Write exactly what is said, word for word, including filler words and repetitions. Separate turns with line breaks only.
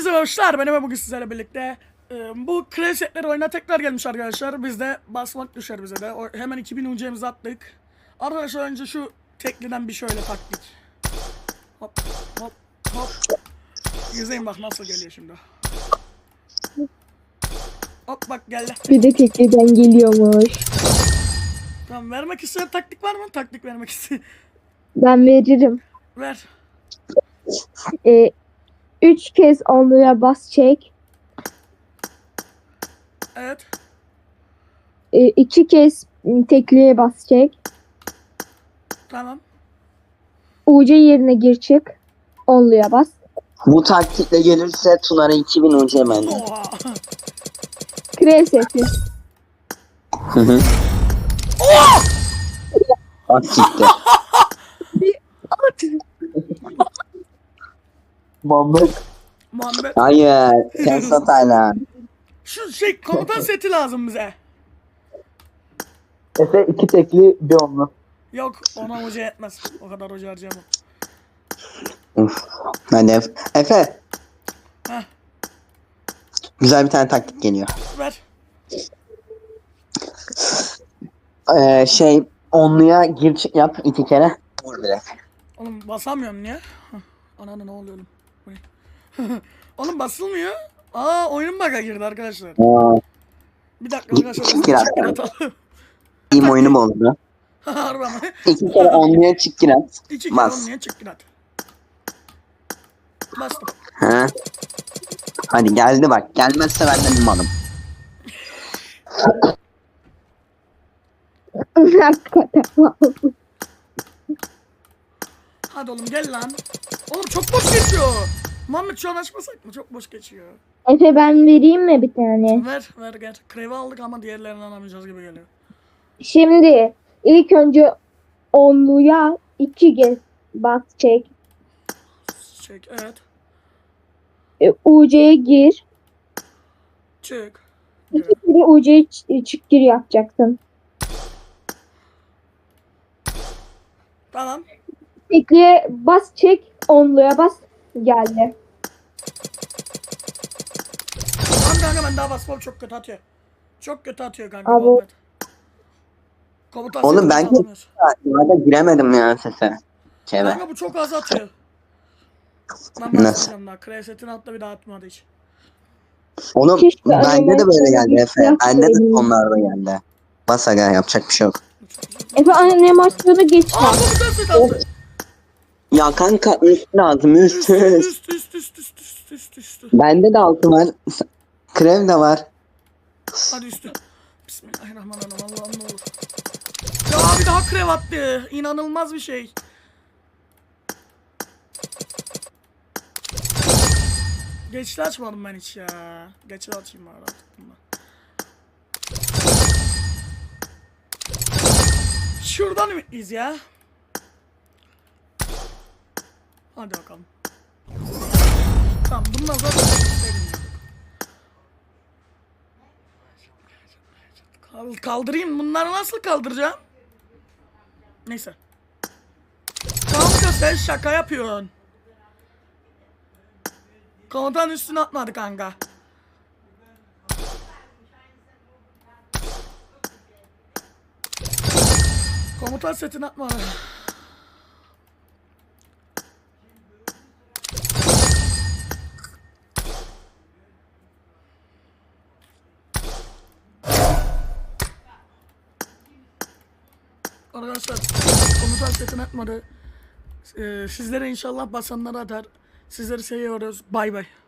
Hepinize hoşlar. Benim bugün sizlerle birlikte e, bu krev setleri oyuna tekrar gelmiş arkadaşlar. Biz de basmak düşer bize de. O, hemen iki bin ucumuzu attık. Arkadaşlar önce şu tekliden bir şöyle taktik. Hop hop hop. İzleyin bak nasıl geliyor şimdi. Hop bak geldi.
Bir de tekliden geliyormuş.
Tamam, vermek isteyen taktik var mı? Taktik vermek isteyen.
Ben veririm.
Ver.
Ee, üç kez onluya bas çek.
Evet.
Ee, iki kez tekliye bas çek.
Tamam.
U C yerine gir çık. Onluya bas.
Bu taktikle gelirse Tunar'a iki bin ucu hemen.
Oha.
Krev seti.
Hı hı. At gitti. Muhammed.
Muhammed.
Hayır. Sen sat hala.
Şu şey komutan seti lazım bize.
Efe iki tekli bir onlu.
Yok, ona hoca yetmez. O kadar hoca harcayamam.
Uf. Hadi Efe. Efe.
Heh,
Güzel bir tane taktik geliyor.
ver.
Ee, şey onluya gir çık yap iki kere. Vur direkt.
Oğlum basamıyorum niye? Hah, ananı ne oluyor oğlum? Bu ne? Oğlum basılmıyor. Aa, oyunun bug'a girdi arkadaşlar.
Aa,
Bir dakika arkadaşlar.
Çık
Çık
gir
gir
at.
atalım.
iyi oyunum oldu.
Harbi ama.
İki kere onluya çık gir at.
İki kere
Bas.
on niye çık gir at. Bastım.
Ha. Hadi geldi bak. Gelmezse ben de bilmadım.
Hakikaten.
Hadi oğlum gel lan. Oğlum çok boş geçiyor. Muhammed şu an açmasak mı? Çok boş geçiyor.
Efe ben vereyim mi bir tane?
Ver ver gel. Krevi aldık ama diğerlerini alamayacağız gibi geliyor.
Şimdi ilk önce onluya iki kez bas çek.
Çek, evet.
Ee, U C'ye gir.
Çık.
İki kere U C'ye ç- çık gir yapacaksın.
Tamam.
Tekliye bas çek. Onluya bas. Geldi.
Tamam kanka, ben daha basmam, çok kötü atıyor. Çok kötü atıyor kanka
Abi.
Muhammed. Komutan
Oğlum
setini
ben
alamıyoruz.
Orada giremedim ya sese. Keve.
Kanka bu çok az atıyor. Ben
Nasıl?
basmayacağım daha. Krev setini atla, bir daha atmadı hiç.
Oğlum
Keşke
bende de böyle geldi Efe.
animasyonu
Bende de
geçseydim.
sonlarda geldi. Bas aga yapacak bir şey yok.
Efe animasyonu geçme.
Aa, komutan seti attı.
Ya kanka üst lazım üst
Üst
üst.
üst üst üst üst üst üst üst.
Bende de altı var. Krev de var.
Hadi üstü. Bismillahirrahmanirrahim. Allah'ım ne olur. Ya bir daha krev attı. İnanılmaz bir şey. Geçti açmadım ben hiç ya. Geçti açayım bari artık bundan. Şuradan ümitliyiz ya. Hadi bakalım. Tamam, bundan sonra Kal kaldırayım. Bunları nasıl kaldıracağım? Neyse. Kanka sen şaka yapıyorsun. Komutan üstüne atmadı kanka. Komutan setini atmadı. Arkadaşlar komutan setini atmadı. Ee, sizlere inşallah basanlara atar. Sizleri seviyoruz. Bay bay.